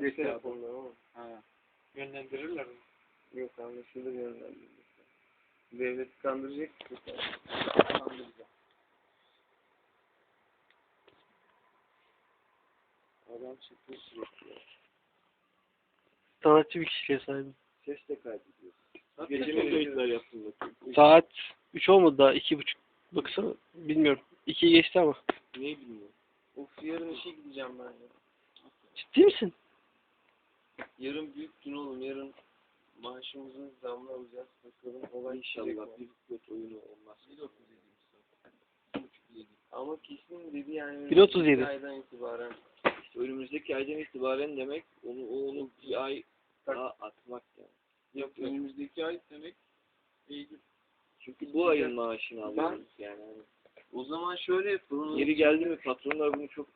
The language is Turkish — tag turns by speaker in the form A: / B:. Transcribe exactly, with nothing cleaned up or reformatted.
A: adresi
B: Adresi
A: telefonla ama.
B: Ha. Yönlendirirler mi?
A: Yok anlaşılır yönlendirirler. Devleti kandıracak mısın sen?
B: Kandıracağım.
A: Adam çıktı sürekli.
C: Sanatçı bir kişiliğe sahibim.
A: Ses de kaydediyor.
B: Gece
A: Gece
B: mi
A: mi kayıtlar yaptın bakayım?
C: Saat üç olmadı daha, iki buçuk. Baksana, bilmiyorum. ikiyi geçti ama.
A: Neyi bilmiyorum. Of yarın işe gideceğim ben ya.
C: Ciddi misin?
A: Yarın büyük gün oğlum. Yarın maaşımızı zamla alacağız. Bakalım olay
B: İnşallah
A: bir pilot oyunu olmaz. bir otuz yedi Ama kesin dedi yani.
C: bir otuz yedi
A: Bir aydan itibaren. İşte önümüzdeki aydan itibaren demek onu onu bir ay daha atmak yani. Yok önümüzdeki ay demek Eylül. Çünkü bu ayın maaşını alıyoruz yani. Hani. O zaman şöyle yapalım. Yeri geldi mi patronlar bunu çok